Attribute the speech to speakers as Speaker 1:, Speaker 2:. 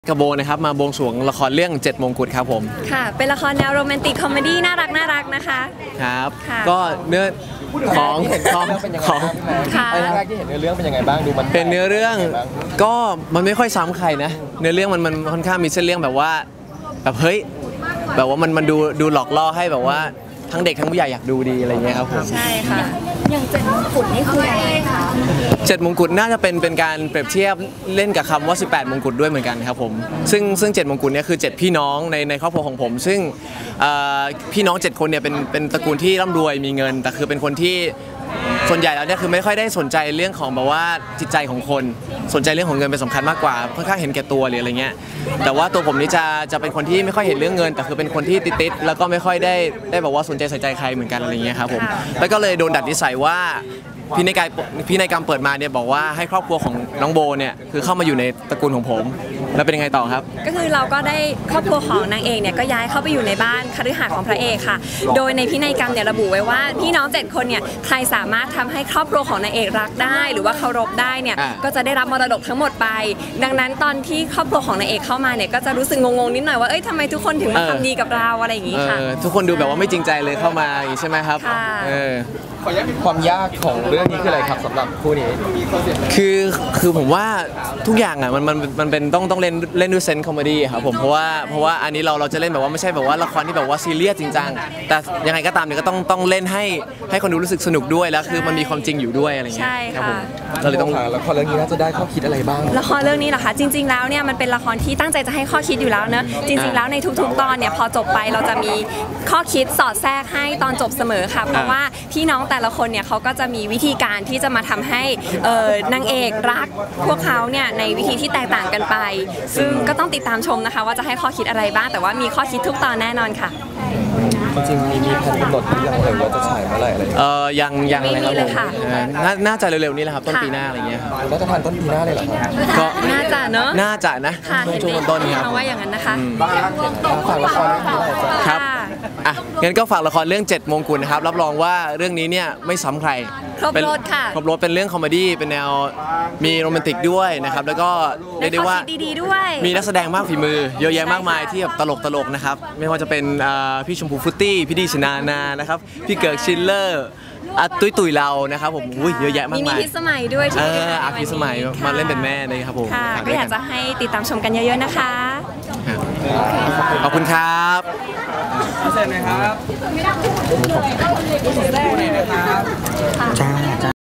Speaker 1: กระโบนะครับมาบวงสรวงละครเรื่อง7มงกุฎครับผม
Speaker 2: ค่ะเป็นละครแนวโรแมนติกคอมเมดี้น่ารักนะคะ
Speaker 1: ครับก็เนื้อของ
Speaker 3: ไอ้แรกที่เห็นเนื้อเรื่องเป็นยังไงบ้างดูมัน
Speaker 1: เป็นเนื้อเรื่องก็มันไม่ค่อยซ้ำใครนะเนื้อเรื่องมันค่อนข้างมีเส้นเรื่องแบบว่าแบบเฮ้ยแบบว่ามันดูหลอกล่อให้แบบว่าทั้งเด็กทั้งผู้ใหญ่อยากดูดีอะไรเงี้ยครับผม
Speaker 2: ใช่ค่ะ
Speaker 4: อย่าง7มงกุฎนี่คืออะไรคะ
Speaker 1: 7มงกุฎน่าจะเป็นการเปรียบเทียบเล่นกับคำว่า18มงกุฎด้วยเหมือนกันครับผมซึ่ง7มงกุฎเนี่ยคือ7พี่น้องในครอบครัวของผมซึ่งพี่น้อง7คนเนี่ยเป็นตระกูลที่ร่ำรวยมีเงินแต่คือเป็นคนที่ส่วนใหญ่แล้วเนี่ยคือไม่ค่อยได้สนใจเรื่องของแบบว่าจิตใจของคนสนใจเรื่องของเงินเป็นสำคัญมากกว่าค่อนข้างเห็นแก่ตัวหรืออะไรเงี้ยแต่ว่าตัวผมนี่จะเป็นคนที่ไม่ค่อยเห็นเรื่องเงินแต่คือเป็นคนที่ติดแล้วก็ไม่ค่อยได้บอกว่าสนใจใส่ใจใครเหมือนกันอะไรเงี้ยครับผมแล้วก็เลยโดนดัดนิสัยว่าพี่นายกรรมเปิดมาเนี่ยบอกว่าให้ครอบครัวของน้องโบเนี่ยคือเข้ามาอยู่ในตระกูลของผมแล้วเป็นยังไงต่อครับ
Speaker 2: ก็คือเราก็ได้ครอบครัวของนางเอกเนี่ยก็ย้ายเข้าไปอยู่ในบ้านคฤหาสน์ของพระเอกค่ะโดยในพินัยกรรมเนี่ยระบุไว้ว่าพี่น้อง7คนเนี่ยใครสามารถทำให้ครอบครัวของนางเอกรักได้หรือว่าเคารพได้เนี่ยก็จะได้รับมรดกทั้งหมดไปดังนั้นตอนที่ครอบครัวของนางเอกเข้ามาเนี่ยก็จะรู้สึกงงนิดหน่อยว่าเอ้ยทำไมทุกคนถึงมาทำดีกับเราอะไรอย่างงี้ค่ะ
Speaker 1: ทุกคนดูแบบว่าไม่จริงใจเลยเข้ามาอย่างนี้ใช่ไหมครับ
Speaker 3: ความยากของเรื่องนี้คืออะไรครับสำหรับคู่นี้
Speaker 1: คือผมว่าทุกอย่างอ่ะมันเป็นต้องเล่นด้วยเซนส์คอมเมดี้ครับผมเพราะว่าอันนี้เราจะเล่นแบบว่าไม่ใช่แบบว่าละครที่แบบว่าซีเรียสจริงจังแต่ยังไงก็ตามเนี่ยก็ต้องเล่นให้คนดูรู้สึกสนุกด้วยแล้วคือมันมีความจริงอยู่ด้วยอะไรเงี้ยครับผมเราเลยต้อง
Speaker 3: ละครเรื่องนี้น่าจะได้ข้อคิดอะไรบ้าง
Speaker 2: ละครเรื่องนี้เหรอคะจริงๆแล้วเนี่ยมันเป็นละครที่ตั้งใจจะให้ข้อคิดอยู่แล้วเนอะจริงๆแล้วในทุกๆตอนเนี่ยพอจบไปเราจะมีข้อคิดสอดแทรกให้ตอนจบเสมอค่ะเพราะว่าพี่น้องแต่ละคนเนี่ยเขาก็จะมีวิธีการที่จะมาทำให้นางเอกรักพวกเขาเนี่ยในวิธีที่แตกต่างกันไปซึ่งก็ต้องติดตามชมนะคะว่าจะให้ข้อคิดอะไรบ้างแต่ว่ามีข้อคิดทุกตอนแน่นอนค่ะ
Speaker 3: จริงๆมีแผนกำหนดยังเลยว่าจะฉายเมื่อไหร่อะไร
Speaker 1: ยังเลยครับน่าจะเร็วๆนี้แหละครับต้นปีหน้าอะไรเงี้ย
Speaker 3: แล้วจะทันต้นปีหน้าเลยเหรอครับ
Speaker 1: ก็
Speaker 2: น่าจะเนอะ
Speaker 1: น่าจะนะช่วงต้นนี้ครับ
Speaker 2: ว่าอย่างนั้นนะคะ
Speaker 3: ฝากละคร
Speaker 1: ครับงั้นก็ฝากละครเรื่อง7มงกุฎนะครับรับรองว่าเรื่องนี้เนี่ยไม่ซ้ำใคร
Speaker 2: ครบรถค่ะ
Speaker 1: ครบรถเป็นเรื่องคอมเมดี้เป็นแนวมีโรแมนติกด้วยนะครับแล้วก็เรียกได้ว่ามีนักแสดงมากฝีมือเยอะแยะมากมายที่แบบตลกนะครับไม่ว่าจะเป็นพี่ชมพูฟุตตี้พี่ดีชนานะครับพี่เกิร์กชิลเลอร์ตุยเรานะครับผมเยอะแยะมากมาย
Speaker 2: มีพิสมัยด้วยที่
Speaker 1: พิสมัยมาเล่นเป็นแม่เลยครับผม
Speaker 2: ก็อยากจะให้ติดตามชมกันเยอะๆนะคะ
Speaker 1: ขอบคุณครับ
Speaker 3: เสร็จไหมครับ